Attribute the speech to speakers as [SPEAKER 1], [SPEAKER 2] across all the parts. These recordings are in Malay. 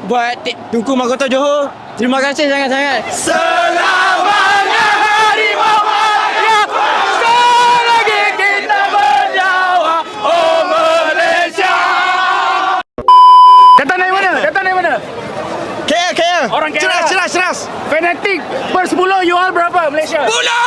[SPEAKER 1] buat Tunku Mahkota Johor. Terima kasih sangat-sangat.
[SPEAKER 2] Selamanya harimau Malaysia, selagi kita bernyawa, oh Malaysia. Datang dari mana? Datang dari mana?
[SPEAKER 1] KL.
[SPEAKER 2] Orang KL.
[SPEAKER 1] Ceras.
[SPEAKER 2] Fanatik per 10 you all berapa Malaysia?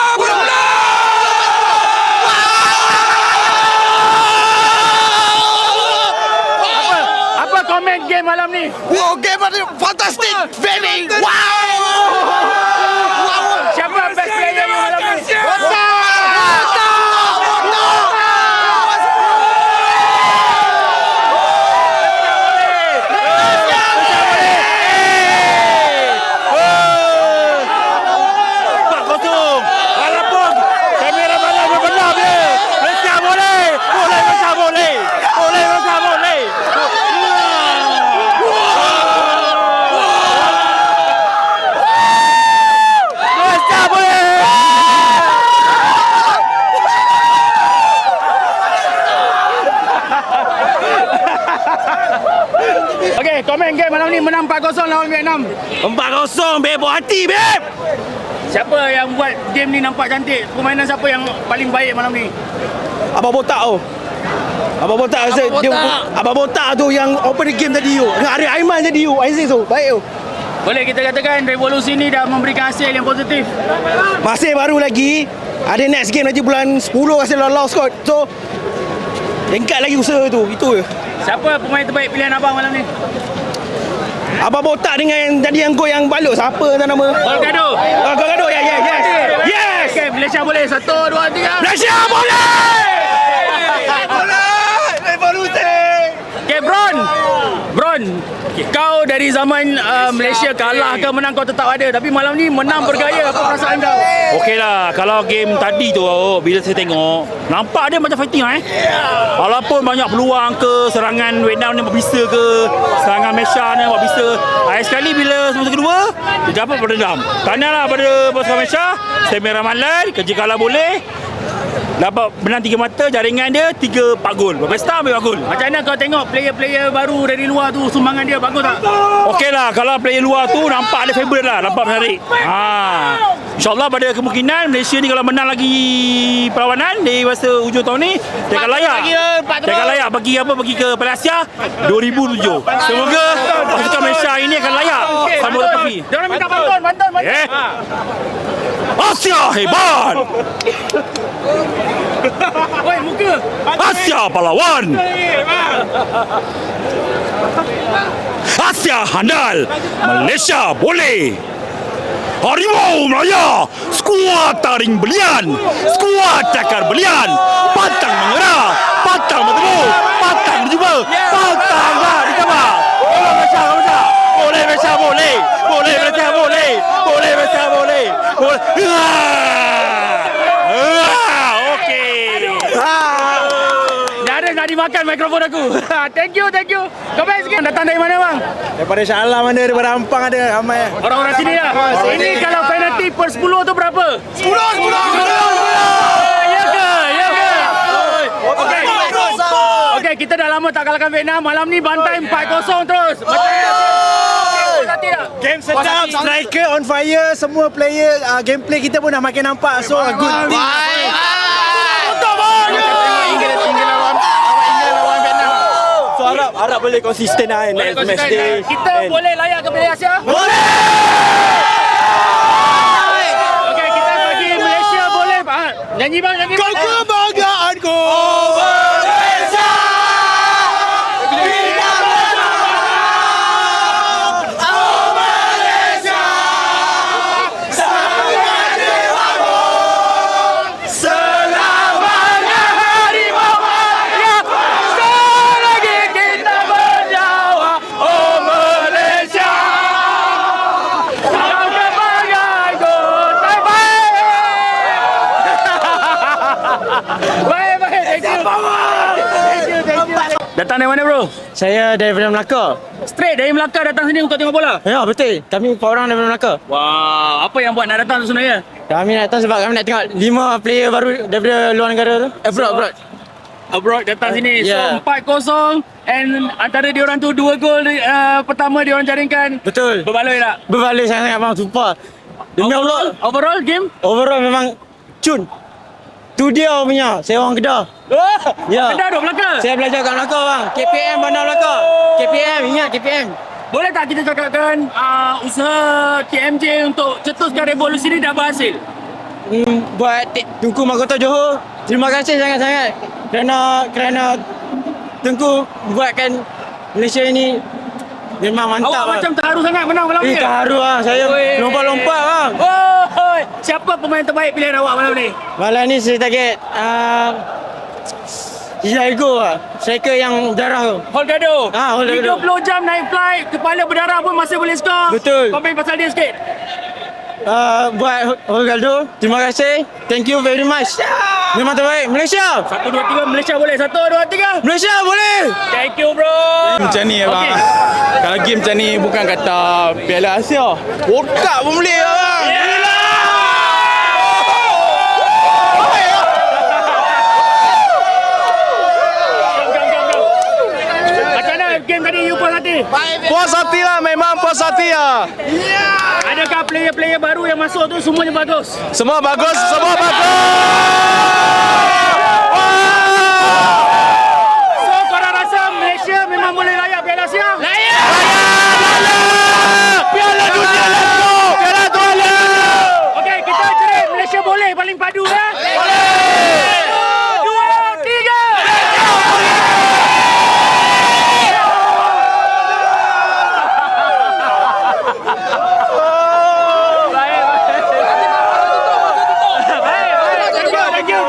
[SPEAKER 2] Apa komen game malam ni?
[SPEAKER 1] Wow, game fantastic. Very wow.
[SPEAKER 2] Siapa best player you malam ni? Okey, komen game malam ni menang 4-0 lawan Vietnam.
[SPEAKER 1] 4-0, beb. Buat hati, beb.
[SPEAKER 2] Siapa yang buat game ni nampak cantik? Permainan siapa yang paling baik malam ni?
[SPEAKER 1] Abang Botak tu. Abang Botak Abang Botak tu yang open the game tadi tu. Dengan Arif Aiman tadi tu. Aziz tu. Baik tu.
[SPEAKER 2] Boleh kita katakan revolusi ni dah memberikan hasil yang positif.
[SPEAKER 1] Masih baru lagi. Ada next game nanti bulan 10 rasa lolos kot. So tingkat lagi usaha tu. Itu je.
[SPEAKER 2] Siapa pemain terbaik pilihan abang malam ni?
[SPEAKER 1] Abang Botak dengan yang tadi yang gol yang balut. Siapa tak nama?
[SPEAKER 2] Golgado.
[SPEAKER 1] Golgado. Yes.
[SPEAKER 2] Okey, Malaysia boleh. 1, 2, 3.
[SPEAKER 1] Malaysia boleh. Revolusi.
[SPEAKER 2] Okey, Bron. Kau dari zaman Malaysia kalah ke menang kau tetap ada. Tapi malam ni menang bergaya. Apa perasaan kau?
[SPEAKER 3] Okey lah, kalau game tadi tu bila saya tengok, nampak dia macam fighting Walaupun banyak peluang ke serangan Vietnam ni berbisa ke, serangan Malaysia ni berbisa. Akhir sekali bila semasa kedua, dia dapat berdendam. Tahniahlah pada pasukan Malaysia. Saya merah malai, kerja kalah boleh. Dapat menang 3 mata, jaringan dia 3-4 gol. Pesta ambil 4 gol.
[SPEAKER 2] Macam mana kau tengok player-player baru dari luar tu, sumbangan dia bagus tak?
[SPEAKER 3] Okey lah, kalau player luar tu nampak ada favourite lah, nampak menarik. InsyaAllah pada kemungkinan Malaysia ni kalau menang lagi perlawanan di masa hujung tahun ni, dia akan layak. Dia akan layak bagi ke Piala Asia 2007. Semoga pasukan Malaysia ini akan layak sambut trofi.
[SPEAKER 2] Diorang minta bantuan.
[SPEAKER 3] Asia hebat.
[SPEAKER 2] Oi, muka.
[SPEAKER 3] Asia pahlawan. Asia handal. Malaysia boleh. Harimau Melaya, skuad taring belian, skuad cakar belian, pantang mengerah, pantang bertemu, pantang berjumpa, pantang lah dicabar. Malaysia boleh, Malaysia boleh, boleh Malaysia boleh, boleh Malaysia boleh, boleh.
[SPEAKER 2] Nak dimakan mikrofon aku. Thank you. Kau baik sikit. Datang dari mana bang?
[SPEAKER 1] Daripada Shah Alam ada, daripada Ampang ada, ramai.
[SPEAKER 2] Orang-orang sini lah. Ini kalau penalti per 10 tu berapa? 10. Ya ke? Okey, kita dah lama tak kalahkan Vietnam. Malam ni bantai 4-0 terus.
[SPEAKER 1] Game sedap, striker on fire, semua player gameplay kita pun dah makin nampak. So a good team. So harap boleh konsisten lah next match day.
[SPEAKER 2] Kita boleh layak ke Piala Asia?
[SPEAKER 1] Boleh!
[SPEAKER 2] Okey, kita bagi Malaysia boleh. Nyanyi bang.
[SPEAKER 1] Kebanggaanku
[SPEAKER 2] Datang dari mana bro?
[SPEAKER 1] Saya daripada Melaka.
[SPEAKER 2] Straight dari Melaka datang sini untuk tengok bola?
[SPEAKER 1] Ya, betul. Kami 4 orang daripada Melaka.
[SPEAKER 2] Wow, apa yang buat nak datang tu sebenarnya?
[SPEAKER 1] Kami nak datang sebab kami nak tengok 5 player baru daripada luar negara tu. Abroad.
[SPEAKER 2] abroad datang sini.
[SPEAKER 1] Yeah.
[SPEAKER 2] So 4-0 and antara diorang tu 2 gol pertama diorang jaringkan.
[SPEAKER 1] Betul.
[SPEAKER 2] Berbaloi tak?
[SPEAKER 1] Berbalik sangat bang, sumpah. Demi Allah.
[SPEAKER 2] Overall game?
[SPEAKER 1] Overall memang cun. Tu dia punya, saya orang Kedah. Ya.
[SPEAKER 2] Kedah duduk Melaka?
[SPEAKER 1] Saya belajar kat Melaka bang. KPM Bandar Melaka. KPM, ingat KPM.
[SPEAKER 2] Boleh tak kita cakapkan usaha KMJ untuk cetuskan revolusi ni dah berhasil?
[SPEAKER 1] Buat Tengku Mahkota Johor, terima kasih sangat-sangat kerana Tengku buatkan Malaysia ini memang mantap.
[SPEAKER 2] Awak
[SPEAKER 1] bang.
[SPEAKER 2] macam terharu sangat menang malam ni.
[SPEAKER 1] Terharu bang, saya lompat-lompat bang.
[SPEAKER 2] Oh, siapa pemain terbaik pilihan awak malam ni?
[SPEAKER 1] Malam ni saya target Diego lah. Striker yang darah tu.
[SPEAKER 2] Holgado.
[SPEAKER 1] Holgado.
[SPEAKER 2] 30 jam naik flight, kepala berdarah pun masih boleh skor.
[SPEAKER 1] Betul.
[SPEAKER 2] Komen pasal dia sikit.
[SPEAKER 1] Buat Holgado, terima kasih. Thank you very much. Memang terbaik. Malaysia.
[SPEAKER 2] 1, 2, 3 Malaysia boleh. 1, 2, 3.
[SPEAKER 1] Malaysia boleh.
[SPEAKER 2] Thank you bro.
[SPEAKER 4] Macam ni abang.
[SPEAKER 2] Okey.
[SPEAKER 4] Kalau game macam ni bukan kata Piala Asia. World pun boleh abang.
[SPEAKER 2] Macam mana game tadi you puas hati?
[SPEAKER 4] Puas hati lah, memang puas hati lah.
[SPEAKER 2] Adakah player-player baru yang masuk tu semuanya bagus?
[SPEAKER 4] Semua bagus, semua bagus.
[SPEAKER 2] So korang rasa Malaysia memang boleh layak Piala Asia? Layak!
[SPEAKER 4] Piala Dunia let's go. Piala Dunia.
[SPEAKER 2] Okey, kita cerit Malaysia boleh paling padu ya? Boleh! 2, 3! Thank you.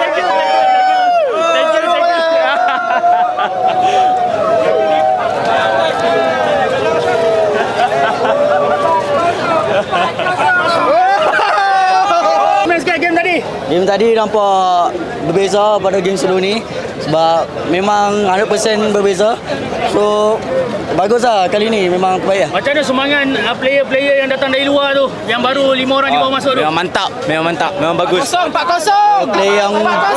[SPEAKER 2] Main sikit game tadi.
[SPEAKER 5] Game tadi nampak berbeza pada game sebelum ni sebab memang 100% berbeza. So baguslah kali ni memang terbaik lah.
[SPEAKER 2] Macam mana semangat player-player yang datang dari luar tu, yang baru 5 orang je baru masuk tu?
[SPEAKER 4] Memang mantap, memang bagus.
[SPEAKER 2] 4-0.
[SPEAKER 5] Player yang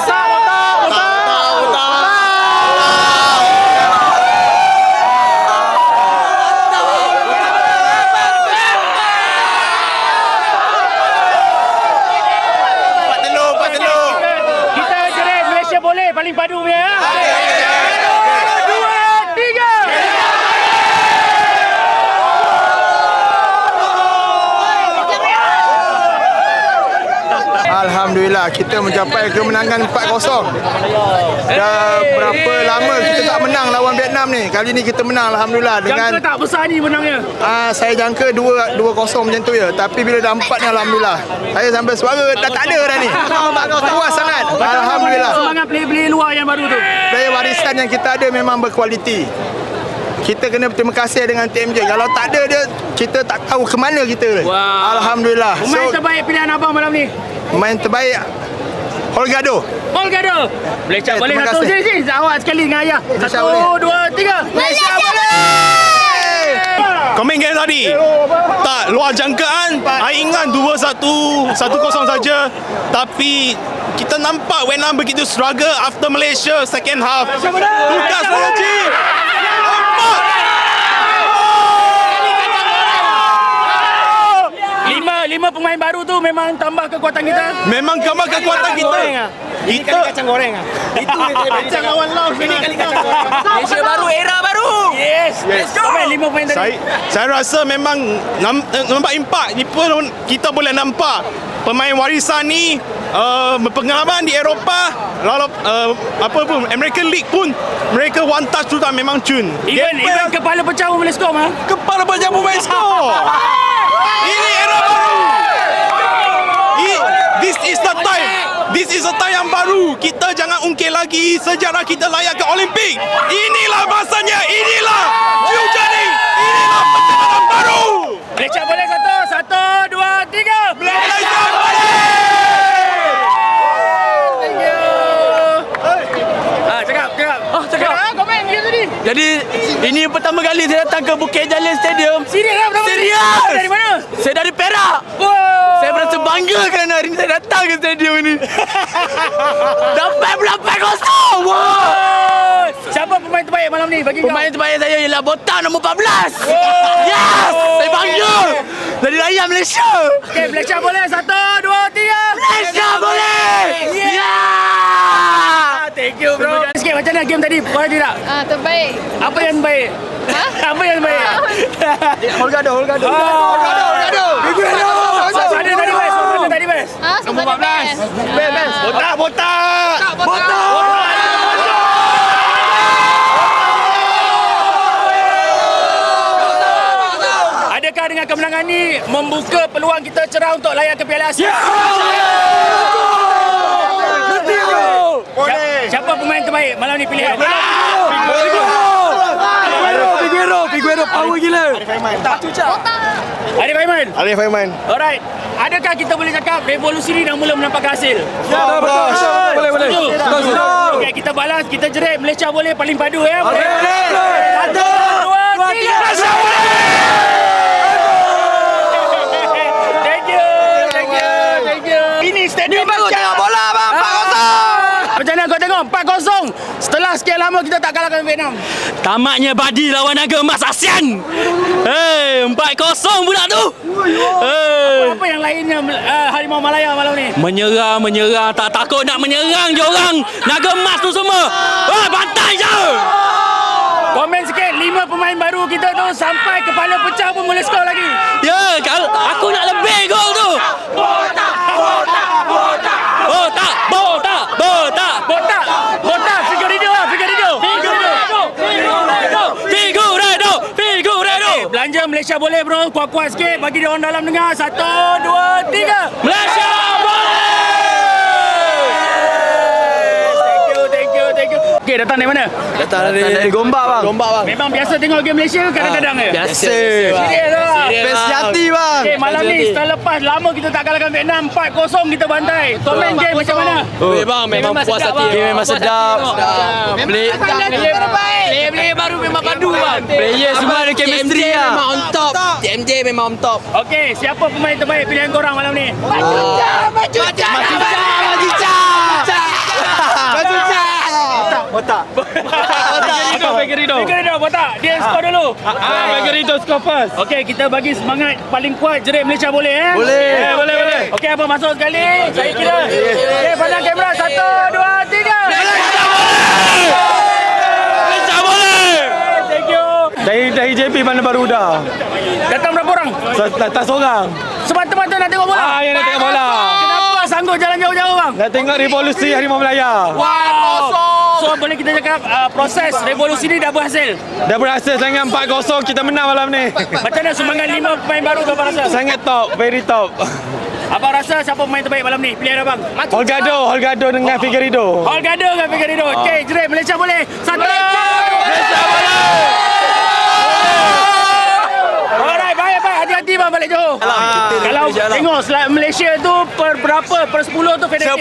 [SPEAKER 2] Kita cerit Malaysia boleh paling padu punya ya. 2, 3.
[SPEAKER 6] Alhamdulillah kita mencapai kemenangan 4-0. Dah berapa lama kita tak menang lawan Vietnam ni. Kali ni kita menang alhamdulillah dengan
[SPEAKER 2] Jangka tak besar ni menangnya.
[SPEAKER 6] saya jangka 2-0 macam tu ya. Tapi bila dah 4 ni alhamdulillah. Saya sampai suara dah tak ada dah ni. Puas sangat. Alhamdulillah.
[SPEAKER 2] Semangat player-player luar yang baru tu.
[SPEAKER 6] Player warisan yang kita ada memang berkualiti. Kita kena berterima kasih dengan TMJ. Kalau tak ada dia, kita tak tahu ke mana kita.
[SPEAKER 2] Wow.
[SPEAKER 6] Alhamdulillah.
[SPEAKER 2] Pemain terbaik pilihan abang malam ni.
[SPEAKER 6] Main terbaik Holgado.
[SPEAKER 2] Holgado. Malaysia boleh
[SPEAKER 6] terima
[SPEAKER 2] satu
[SPEAKER 6] kasih.
[SPEAKER 2] sini. Awak sekali dengan ayah.
[SPEAKER 6] Malaysia
[SPEAKER 2] 1,
[SPEAKER 6] boleh.
[SPEAKER 2] 2, 3. Malaysia boleh.
[SPEAKER 3] Komen game tadi tak luar jangkaan. Saya ingat 2-1 1-0 saja, tapi kita nampak Vietnam begitu struggle after Malaysia second half. Tukar strategi.
[SPEAKER 2] Lima pemain baru tu memang tambah kekuatan kita.
[SPEAKER 3] Memang gambar kekuatan kita. Kita
[SPEAKER 1] Kacang goreng ah.
[SPEAKER 3] itu kacang lawan Laos ini kali kacang goreng.
[SPEAKER 5] Malaysia baru, era baru.
[SPEAKER 2] Yes. Let's go. Lima pemain tadi.
[SPEAKER 3] Saya rasa memang nampak impak ni pun kita boleh nampak pemain warisan ni berpengalaman di Eropah, lalu apa pun American League pun mereka one touch tu tak memang cun.
[SPEAKER 2] Even kepala pecah pun boleh skor mah.
[SPEAKER 3] Kepala pecah pun main skor. Ini era baru. This is the time. This is the time yang baru. Kita jangan ungkit lagi sejarah kita layak ke Olimpik. Inilah masanya. Inilah Jujani. Inilah pencapaian baru.
[SPEAKER 2] Malaysia boleh satu. 1, 2, 3.
[SPEAKER 3] Malaysia boleh.
[SPEAKER 2] Thank you. Cakap. Komen dia tadi.
[SPEAKER 5] Jadi ini pertama kali saya datang ke Bukit Jalil Stadium.
[SPEAKER 2] Serius lah pertama kali?
[SPEAKER 5] Serius.
[SPEAKER 2] Dari mana?
[SPEAKER 5] Saya dari Perak.
[SPEAKER 2] Wow.
[SPEAKER 5] Saya merasa bangga kerana hari ini saya datang ke stadium ini. Dapat pula 4-0. Wow.
[SPEAKER 2] pemain terbaik malam ni bagi kau?
[SPEAKER 4] Pemain terbaik saya ialah Botak nombor 14. Yes! Saya bangga. Dari rakyat Malaysia.
[SPEAKER 2] Okey, Malaysia boleh. 1, 2, 3.
[SPEAKER 4] Malaysia boleh.
[SPEAKER 2] Thank you bro. Sikit macam mana game tadi? Boleh tidak?
[SPEAKER 7] Terbaik.
[SPEAKER 2] Apa yang baik? Apa yang baik?
[SPEAKER 1] Holgado.
[SPEAKER 2] Mana tadi best? Mana tadi best?
[SPEAKER 7] Nombor 14.
[SPEAKER 1] Botak.
[SPEAKER 2] Adakah dengan kemenangan ni membuka peluang kita cerah untuk layak ke Piala Asia? Siapa pemain terbaik malam ni pilihan?
[SPEAKER 1] Figueroa power gila.
[SPEAKER 2] Arif Aiman. Alright. Adakah kita boleh cakap revolusi ni dah mula menampak hasil?
[SPEAKER 1] Boleh.
[SPEAKER 2] Okey, kita balas, kita jerit Malaysia boleh paling padu ya. Boleh. 1, 2, 3. Malaysia boleh. Thank you. Ini stadium baru tengok bola bang. 4-0. Macam mana kau tengok 4-0 setelah sekian lama kita tak kalahkan Vietnam?
[SPEAKER 3] Tamatnya Badi lawan naga emas ASEAN. 4-0 pula tu.
[SPEAKER 2] Apa yang lainnya Harimau Malaya malam ni?
[SPEAKER 3] Menyerang, tak takut nak menyerang je orang. Naga emas tu semua. Bantai je.
[SPEAKER 2] Komen sikit, 5 pemain baru kita tu sampai kepala pecah pun boleh skor lagi.
[SPEAKER 3] Ya, kalau aku nak lebih gol tu.
[SPEAKER 2] Botak, Figueiredo. Belanja Malaysia boleh bro, kuat-kuat sikit bagi dia orang dalam dengar. 1, 2, 3.
[SPEAKER 3] Malaysia boleh.
[SPEAKER 2] Thank you. Okey, datang dari mana?
[SPEAKER 1] Datang dari Gombak bang.
[SPEAKER 2] Memang biasa tengok game Malaysia ke kadang-kadang ke?
[SPEAKER 1] Biasa.
[SPEAKER 2] Serius lah.
[SPEAKER 1] Best jati bang.
[SPEAKER 2] Okey, malam ni setelah lepas lama kita tak kalahkan Vietnam 4-0 kita bantai. Komen game macam mana?
[SPEAKER 3] Bang, memang puas hati.
[SPEAKER 1] Game memang sedap.
[SPEAKER 4] Player baru memang padu bang.
[SPEAKER 1] Player semua ada chemistry lah.
[SPEAKER 4] Memang on top. TMJ memang on top.
[SPEAKER 2] Okey, siapa pemain terbaik pilihan korang malam ni?
[SPEAKER 1] Botak.
[SPEAKER 2] Figueiredo, Botak. Dia skor dulu.
[SPEAKER 3] Figueiredo score first.
[SPEAKER 2] Okey, kita bagi semangat paling kuat jerit Malaysia boleh
[SPEAKER 1] Boleh.
[SPEAKER 2] Okey, apa masuk sekali? Saya kira. Okey, pandang kamera. 1, 2, 3.
[SPEAKER 3] Malaysia boleh.
[SPEAKER 2] Thank you.
[SPEAKER 1] Dari JP mana baru dah.
[SPEAKER 2] Datang berapa orang?
[SPEAKER 1] Tak seorang.
[SPEAKER 2] Semata-mata nak tengok bola.
[SPEAKER 1] Yang nak tengok bola.
[SPEAKER 2] Kenapa sanggup jalan jauh-jauh bang?
[SPEAKER 1] Nak tengok revolusi Harimau Malaya.
[SPEAKER 2] Wow. So boleh kita cakap proses revolusi ni dah berhasil.
[SPEAKER 1] Dah berhasil sangat 4-0 kita menang malam ni.
[SPEAKER 2] Macam mana sumbangan 5 pemain baru tu abang rasa?
[SPEAKER 1] Sangat top, very top.
[SPEAKER 2] Abang rasa siapa pemain terbaik malam ni? Pilihan abang.
[SPEAKER 1] Holgado dengan Figueiredo.
[SPEAKER 2] Holgado dengan Figueiredo. Okey, jerit Malaysia boleh. 1.
[SPEAKER 1] Malaysia boleh.
[SPEAKER 2] Alright, baik. Hati-hati bang balik Johor. Kalau tengok Malaysia tu per berapa? Per 10 tu federasi.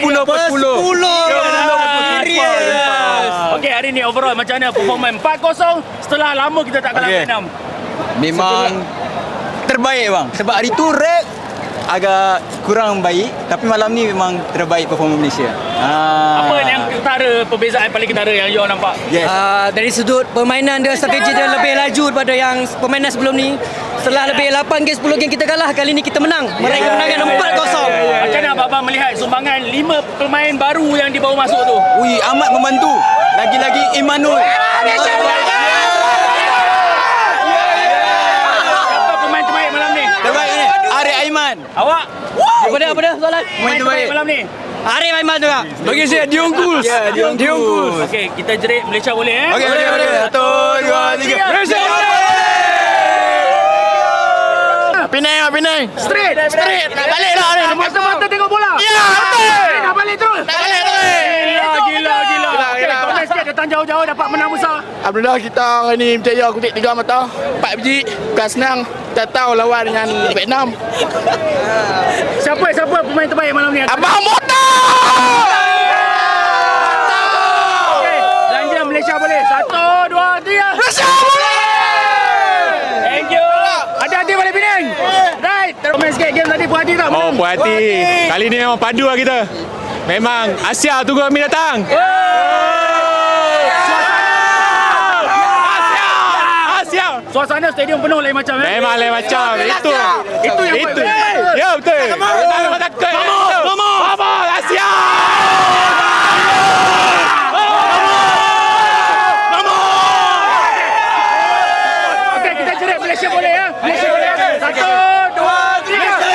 [SPEAKER 2] 10. Okey, hari ni overall macam mana performance 4-0 setelah lama kita tak kalah Vietnam?
[SPEAKER 5] Memang terbaik bang. Sebab hari tu rap agak kurang baik, tapi malam ni memang terbaik performa Malaysia.
[SPEAKER 2] Apa yang perbezaan paling ketara yang you nampak?
[SPEAKER 5] Yes.
[SPEAKER 8] Dari sudut permainan dia, strategi dia lebih laju daripada yang permainan sebelum ni. Setelah lebih 8 game 10 game kita kalah, kali ni kita menang. Meraih kemenangan 4-0.
[SPEAKER 2] Macam mana abang melihat sumbangan 5 pemain baru yang dibawa masuk tu?
[SPEAKER 5] Ui, amat membantu. Lagi-lagi Imanul.
[SPEAKER 2] Siapa pemain terbaik malam ni?
[SPEAKER 5] Terbaik ni Arif Aiman.
[SPEAKER 2] Awak?
[SPEAKER 8] Apa dia soalan?
[SPEAKER 2] Pemain terbaik malam ni?
[SPEAKER 8] Arif Aiman juga.
[SPEAKER 1] Bagi saya Diongkus. Diongkus.
[SPEAKER 2] Okey, kita jerit Malaysia boleh
[SPEAKER 1] Okey. 1, 2, 3. Malaysia boleh.
[SPEAKER 4] Penang.
[SPEAKER 2] Straight.
[SPEAKER 4] Nak balik lah ni.
[SPEAKER 2] Mata-mata tengok bola.
[SPEAKER 4] Ya, betul.
[SPEAKER 2] Nak balik terus. Gila. Okey, komen sikit datang jauh-jauh dapat menang besar.
[SPEAKER 4] Alhamdulillah kita hari ni berjaya kutip 3 mata. 4 biji. Bukan senang. Kita tahu lawan dengan Vietnam.
[SPEAKER 2] Siapa pemain terbaik malam ni?
[SPEAKER 4] Abang Botak!
[SPEAKER 2] Okey, belanja Malaysia boleh. 1, 2, 3.
[SPEAKER 4] Malaysia boleh!
[SPEAKER 2] Thank you. Hati-hati balik Penang. Right. Komen sikit game tadi puas hati tak?
[SPEAKER 1] Oh, puas hati. Kali ni memang padu lah kita. Memang Asia tunggu kami datang.
[SPEAKER 2] suasana stadium penuh lain macam
[SPEAKER 3] Memang lain macam. Itu yang
[SPEAKER 2] itu.
[SPEAKER 3] Ya betul. Jangan takut. Vamos, Asia.
[SPEAKER 2] Okey, kita jerit Malaysia boleh ya. Malaysia boleh. 1 2 3.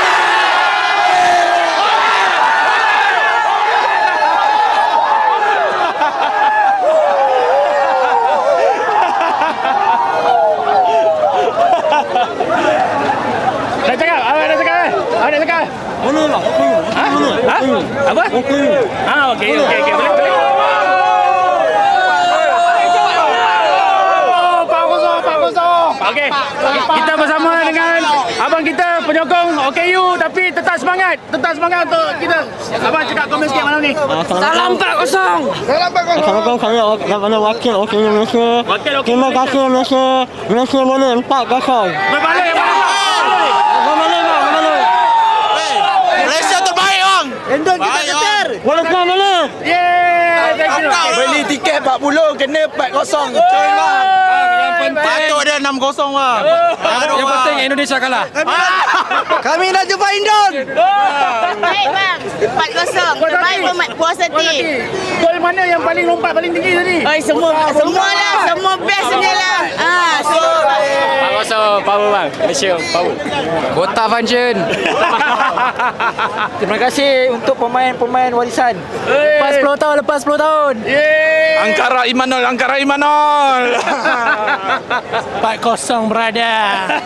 [SPEAKER 2] Dah cakap? Dah cakap? Dah cakap?
[SPEAKER 5] Mana lah?
[SPEAKER 2] Ha? Apa? Okey. Boleh. Okey. Kita bersama dengan abang kita penyokong OKU tapi tetap semangat untuk kita. Abang cakap komen sikit malam ni.
[SPEAKER 8] Salam 4-0.
[SPEAKER 5] Assalamualaikum kami kepada wakil Malaysia. Terima kasih Malaysia. Malaysia boleh 4-0.
[SPEAKER 2] Berbalik abang.
[SPEAKER 6] Malaysia terbaik bang.
[SPEAKER 5] Endon kita keter. Walaupun mana?
[SPEAKER 2] Yeah, thank you.
[SPEAKER 1] Beli tiket 40 kena 4-0. Coy bang.
[SPEAKER 6] Patut dia 6-0 bang.
[SPEAKER 8] Yang penting Indonesia kalah.
[SPEAKER 5] Kami nak jumpa Indon.
[SPEAKER 7] Baik bang, 4-0. Terbaik puas hati.
[SPEAKER 2] Gol mana yang paling lompat paling tinggi tadi?
[SPEAKER 7] Semua lah, semua best ni lah.
[SPEAKER 3] Power bang. Malaysia power.
[SPEAKER 8] Kota Function. Terima kasih untuk pemain-pemain warisan. Lepas 10 tahun.
[SPEAKER 4] Ankara Imanol.
[SPEAKER 8] 4-0 berada.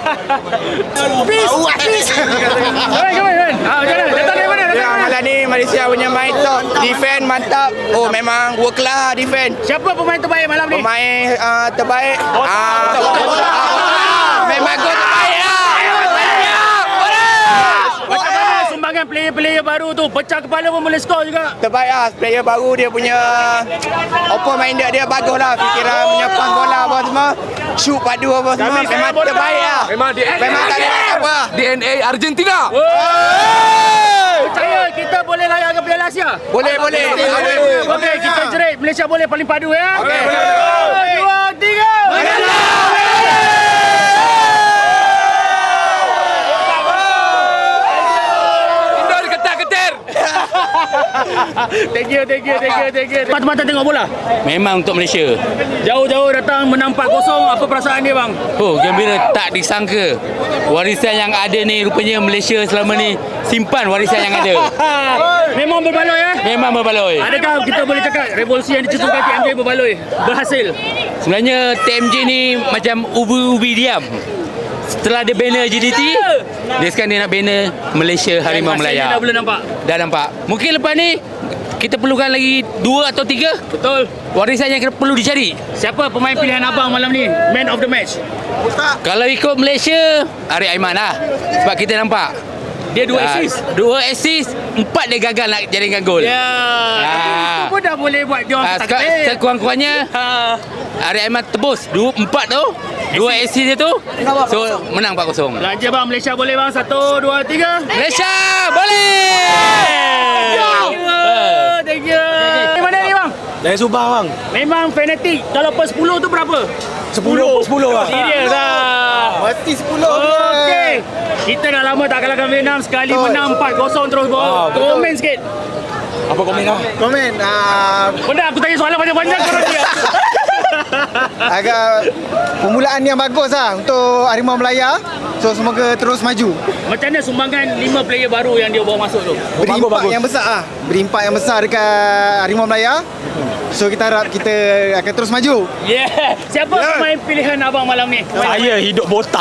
[SPEAKER 4] Malam ni Malaysia punya main top. Defend mantap. Oh memang work lah defend.
[SPEAKER 2] Siapa pemain terbaik malam ni?
[SPEAKER 4] Pemain terbaik. Memang gol terbaik lah.
[SPEAKER 2] Macam mana sumbangan player-player baru tu? Pecah kepala pun boleh skor juga.
[SPEAKER 4] Terbaik lah. Player baru dia punya open minded dia bagus lah. Fikiran punya pass bola apa semua. Shoot padu apa semua. Memang terbaik lah. Memang tak ada apa.
[SPEAKER 8] DNA Argentina.
[SPEAKER 2] Percaya kita boleh layak ke Piala Asia?
[SPEAKER 4] Boleh.
[SPEAKER 2] Okey, kita jerit Malaysia boleh paling padu ya.
[SPEAKER 4] Okey.
[SPEAKER 2] 2 3. Thank you. Mata-mata tengok bola.
[SPEAKER 3] Memang untuk Malaysia.
[SPEAKER 2] Jauh-jauh datang menang 4-0. Apa perasaan dia bang?
[SPEAKER 3] Oh, gembira tak disangka. Warisan yang ada ni rupanya Malaysia selama ni simpan warisan yang ada.
[SPEAKER 2] Memang berbaloi ya?
[SPEAKER 3] Memang berbaloi.
[SPEAKER 2] Adakah kita boleh cakap revolusi yang dicetuskan TMJ berbaloi? Berhasil?
[SPEAKER 3] Sebenarnya TMJ ni macam ubi-ubi diam. Setelah dia banner GDT, dia sekarang dia nak banner Malaysia Harimau Melaya.
[SPEAKER 2] Dah boleh nampak?
[SPEAKER 3] Dah nampak. Mungkin lepas ni kita perlukan lagi 2 atau 3
[SPEAKER 2] Betul.
[SPEAKER 3] warisan yang perlu dicari.
[SPEAKER 2] Siapa pemain pilihan abang malam ni? Man of the match.
[SPEAKER 3] Kalau ikut Malaysia, Arif Aiman lah. Sebab kita nampak
[SPEAKER 2] Dia 2 assist.
[SPEAKER 3] 2 assist, 4 dia gagal nak jaringkan gol.
[SPEAKER 2] Ya. Itu pun dah boleh buat dia orang takdir.
[SPEAKER 3] Sekurang-kurangnya Arif Aiman tebus 4 tu, 2 assist dia tu. So menang 4-0.
[SPEAKER 2] Belanja bang, Malaysia boleh bang. 1 2 3.
[SPEAKER 3] Malaysia boleh.
[SPEAKER 2] Thank you. Mana ni bang?
[SPEAKER 1] Dari Subang bang.
[SPEAKER 2] Memang fanatik. Kalau per 10 tu berapa?
[SPEAKER 1] 10 bang.
[SPEAKER 2] Serius lah.
[SPEAKER 6] Mati 10.
[SPEAKER 2] Okey. Kita dah lama tak kalahkan Vietnam. Sekali menang 4-0 terus bawah. Komen sikit.
[SPEAKER 1] Apa komen lah?
[SPEAKER 6] Komen
[SPEAKER 2] Benda aku tanya soalan panjang-panjang korang dia.
[SPEAKER 6] agak permulaan yang bagus lah untuk Harimau Melaya. So semoga terus maju.
[SPEAKER 2] Macam mana sumbangan 5 player baru yang dia bawa masuk tu?
[SPEAKER 6] Beri impak yang besar lah. Beri impak yang besar dekat Harimau Melaya. So kita harap kita akan terus maju.
[SPEAKER 2] Yeah. Siapa pemain pilihan abang malam ni?
[SPEAKER 1] Saya hidup botak.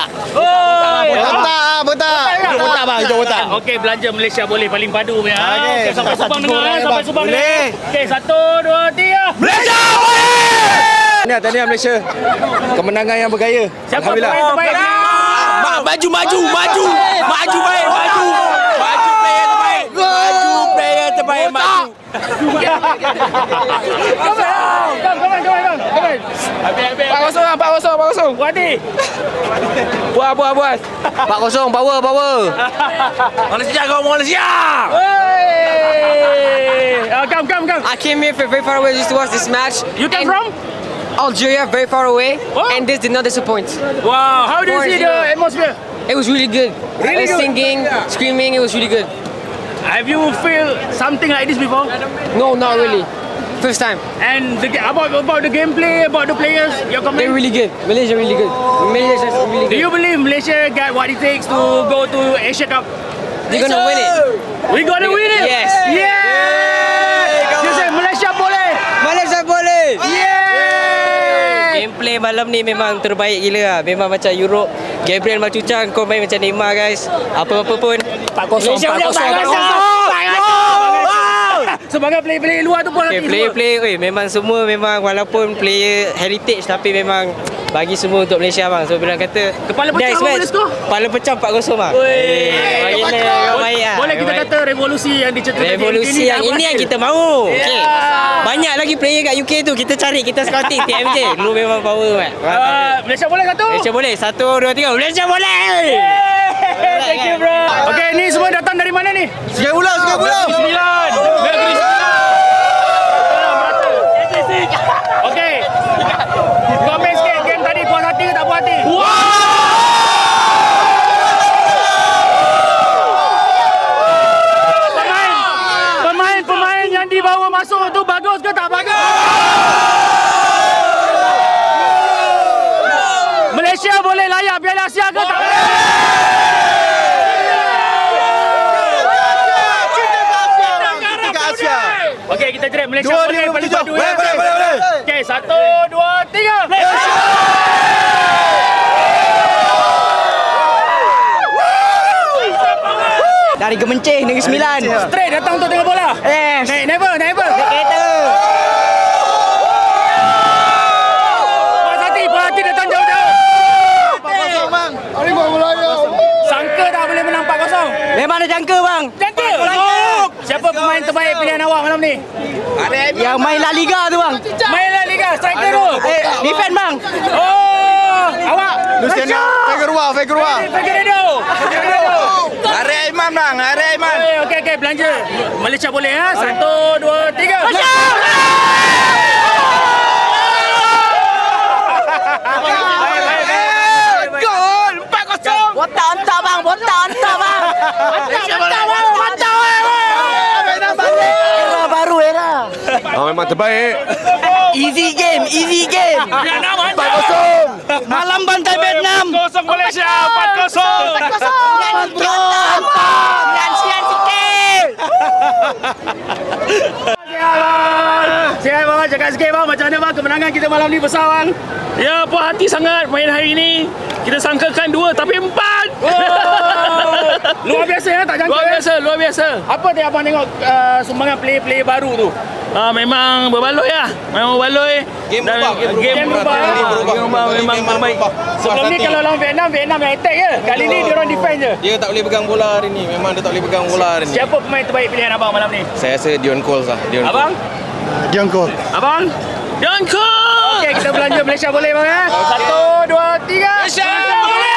[SPEAKER 6] Botak.
[SPEAKER 1] Hidup botak bang, hidup botak.
[SPEAKER 2] Okey, belanja Malaysia boleh paling padu punya.
[SPEAKER 6] Okey.
[SPEAKER 2] Okey, sampai Subang dengar sampai Subang
[SPEAKER 1] Boleh.
[SPEAKER 2] dengar. Okey, 1 2 3.
[SPEAKER 1] Malaysia boleh!
[SPEAKER 5] Tahniah Malaysia. Kemenangan yang bergaya.
[SPEAKER 2] Siapa pemain terbaik?
[SPEAKER 3] Maju baik. Player terbaik maju.
[SPEAKER 2] Come on. Wadi.
[SPEAKER 5] Puas. 4-0 power.
[SPEAKER 3] Malaysia.
[SPEAKER 2] Come.
[SPEAKER 8] I came here very far away just to watch this match.
[SPEAKER 2] You come from?
[SPEAKER 8] Algeria very far away, and this did not disappoint.
[SPEAKER 2] Wow, how do you see the atmosphere?
[SPEAKER 8] It was really good.
[SPEAKER 2] Really good?
[SPEAKER 8] Singing, screaming, it was really good.
[SPEAKER 2] Have you feel something like this before?
[SPEAKER 8] No, not really. First time.
[SPEAKER 2] And about the gameplay, about the players, your comment?
[SPEAKER 8] They're really good. Malaysia really good. Malaysia's really
[SPEAKER 2] Do
[SPEAKER 8] good.
[SPEAKER 2] you believe Malaysia got what it takes to go to Asia Cup?
[SPEAKER 8] They're gonna win it.
[SPEAKER 2] We gonna win it?
[SPEAKER 8] Yes.
[SPEAKER 2] Yeah! You say Malaysia boleh?
[SPEAKER 8] Malaysia boleh.
[SPEAKER 2] Yeah!
[SPEAKER 8] Gameplay malam ni memang terbaik gila lah. Memang macam Europe. Gabriel Macucang, kau main macam Neymar guys. Apa-apa pun 4-0.
[SPEAKER 2] Sebagai player-player luar tu pun
[SPEAKER 8] Okay,
[SPEAKER 2] hati
[SPEAKER 8] player-player memang semua memang walaupun player heritage tapi memang bagi semua untuk Malaysia bang. So bilang kata
[SPEAKER 2] Kepala pecah
[SPEAKER 8] next
[SPEAKER 2] apa
[SPEAKER 8] match,
[SPEAKER 2] boleh skor?
[SPEAKER 8] Kepala pecah 4-0 bang. Baik lah.
[SPEAKER 2] Boleh kita kata revolusi yang diceritakan
[SPEAKER 8] revolusi yang ini yang kita mahu. Okay. Banyak lagi player kat UK tu kita cari, kita scouting TMJ. Dulu memang power kan.
[SPEAKER 2] Malaysia boleh satu?
[SPEAKER 8] Malaysia boleh. 1 2 3 Malaysia boleh.
[SPEAKER 2] Thank you bro. Okay, ni semua datang dari mana ni?
[SPEAKER 6] Sungai Buloh.
[SPEAKER 2] Sembilan. Negeri Sembilan. Okay. Komen sikit game tadi puas hati ke tak puas hati? Pemain yang dibawa masuk tu bagus ke tak bagus? Malaysia boleh layak Piala Asia ke tak? Okey, kita jerit Malaysia boleh paling padu ya.
[SPEAKER 6] Boleh.
[SPEAKER 2] Okey, 1 2 3. Malaysia!
[SPEAKER 5] Dari Gemencih, Negeri Sembilan.
[SPEAKER 2] Straight datang untuk tengok bola.
[SPEAKER 5] Yes.
[SPEAKER 2] Naik never.
[SPEAKER 5] Naik kereta.
[SPEAKER 2] Puas hati datang jauh-jauh.
[SPEAKER 6] 4-0 bang. Harimau Melaya.
[SPEAKER 2] Sangka tak boleh menang 4-0.
[SPEAKER 5] Memang ada jangka bang.
[SPEAKER 2] Jangka. Siapa pemain terbaik pilihan awak malam ni?
[SPEAKER 5] Yang main La Liga tu bang.
[SPEAKER 2] Main La Liga, striker tu.
[SPEAKER 5] Defend bang.
[SPEAKER 2] Oh, awak.
[SPEAKER 6] Luciano Figueroa.
[SPEAKER 2] Figueiredo.
[SPEAKER 4] Arif Aiman bang, Arif Aiman.
[SPEAKER 2] Okey, belanja. Malaysia boleh ha? 1 2 3. Malaysia!
[SPEAKER 4] Gol 4-0.
[SPEAKER 5] Botak hantar bang. Era baru era.
[SPEAKER 6] Memang terbaik.
[SPEAKER 5] Easy game.
[SPEAKER 6] 4-0.
[SPEAKER 5] Malam bantai Vietnam.
[SPEAKER 2] 0 Malaysia, 4-0.
[SPEAKER 5] Kontrol. Sian sikit.
[SPEAKER 2] Sihat bang, cakap sikit bang, macam mana bang kemenangan kita malam ni besar bang?
[SPEAKER 3] Ya, puas hati sangat main hari ini. Kita sangkakan 2 tapi 4.
[SPEAKER 2] Luar biasa ya, tak jangka.
[SPEAKER 3] Luar biasa.
[SPEAKER 2] Apa yang abang tengok sumbangan player-player baru tu?
[SPEAKER 3] Memang berbaloi lah. Memang berbaloi.
[SPEAKER 4] Game
[SPEAKER 2] berubah.
[SPEAKER 3] Memang terbaik.
[SPEAKER 2] Sebelum ni kalau lawan Vietnam yang attack je. Kali ni dia orang defend je.
[SPEAKER 4] Dia tak boleh pegang bola hari ni. Memang dia tak boleh pegang bola hari ni.
[SPEAKER 2] Siapa pemain terbaik pilihan abang malam ni?
[SPEAKER 4] Saya rasa Dion Coles lah.
[SPEAKER 2] Abang?
[SPEAKER 6] Diongko.
[SPEAKER 2] Abang?
[SPEAKER 3] Jangka!
[SPEAKER 2] Okey, kita belanja Malaysia boleh bang ya? 1 2 3. Malaysia boleh!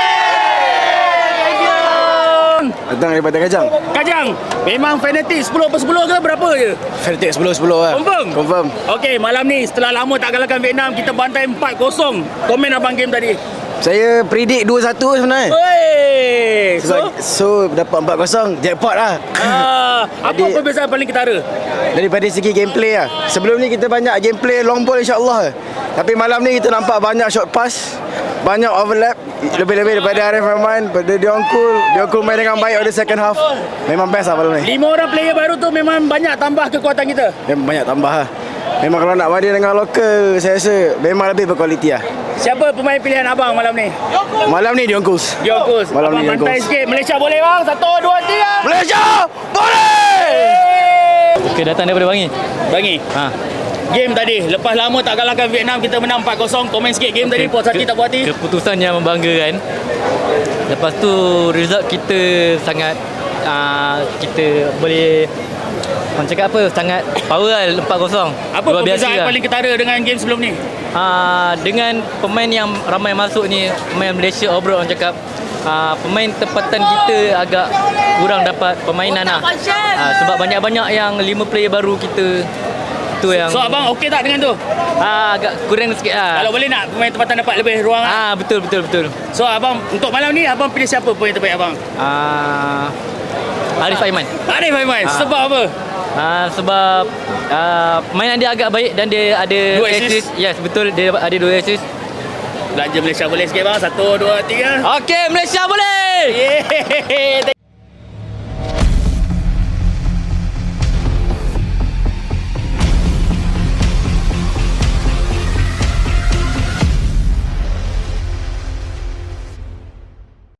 [SPEAKER 6] Datang daripada
[SPEAKER 2] Kajang, memang fanatik 10/10 ke berapa je?
[SPEAKER 6] Fanatik 10-10 lah.
[SPEAKER 2] Confirm? Okey, malam ni setelah lama tak kalahkan Vietnam, kita bantai 4-0. Komen abang game tadi.
[SPEAKER 6] Saya predict 2-1 sebenarnya.
[SPEAKER 2] Wey!
[SPEAKER 6] So dapat 4-0. Jackpot lah.
[SPEAKER 2] Apa perbezaan paling ketara?
[SPEAKER 6] Daripada segi gameplay lah. Sebelum ni kita banyak gameplay long ball insyaAllah. Tapi malam ni kita nampak banyak short pass, banyak overlap. Lebih-lebih daripada Arif Rahman, daripada Diongkul main dengan baik pada second half. Memang best lah malam ni.
[SPEAKER 2] 5 orang player baru tu memang banyak tambah kekuatan kita.
[SPEAKER 6] Memang banyak tambah lah. Memang kalau nak banding dengan lokal, saya rasa memang lebih berkualiti lah.
[SPEAKER 2] Siapa pemain pilihan abang malam ni?
[SPEAKER 6] Malam ni Diongkul. Malam
[SPEAKER 2] Abang
[SPEAKER 6] ni
[SPEAKER 2] bantai
[SPEAKER 6] Diongkul.
[SPEAKER 2] sikit. Malaysia boleh bang? 1 2 3.
[SPEAKER 6] Malaysia boleh!
[SPEAKER 8] Okay, datang daripada Bangi.
[SPEAKER 2] Game tadi, lepas lama tak kalahkan Vietnam, kita menang 4-0. Komen sikit game tadi, puas hati tak puas hati?
[SPEAKER 8] Keputusan yang membanggakan. Lepas tu result kita sangat kita boleh orang cakap apa, sangat power lah 4-0.
[SPEAKER 2] Apa perbezaan paling ketara dengan game sebelum ni?
[SPEAKER 8] Dengan pemain yang ramai masuk ni, pemain Malaysia overall orang cakap pemain tempatan kita agak kurang dapat permainan lah. Sebab banyak-banyak yang 5 player baru kita Tu yang
[SPEAKER 2] So abang okey tak dengan tu?
[SPEAKER 8] agak kurang sikit lah.
[SPEAKER 2] Kalau boleh nak pemain tempatan dapat lebih ruang lah.
[SPEAKER 8] Betul.
[SPEAKER 2] So abang untuk malam ni abang pilih siapa pemain terbaik abang?
[SPEAKER 8] Arif Aiman.
[SPEAKER 2] Arif Aiman. Sebab apa?
[SPEAKER 8] Sebab mainan dia agak baik dan dia ada
[SPEAKER 2] 2 assist.
[SPEAKER 8] Yes, betul, dia ada 2 assist.
[SPEAKER 2] Belanja Malaysia boleh sikit bang. 1, 2, 3.
[SPEAKER 8] Okey, Malaysia boleh.
[SPEAKER 2] Yeay.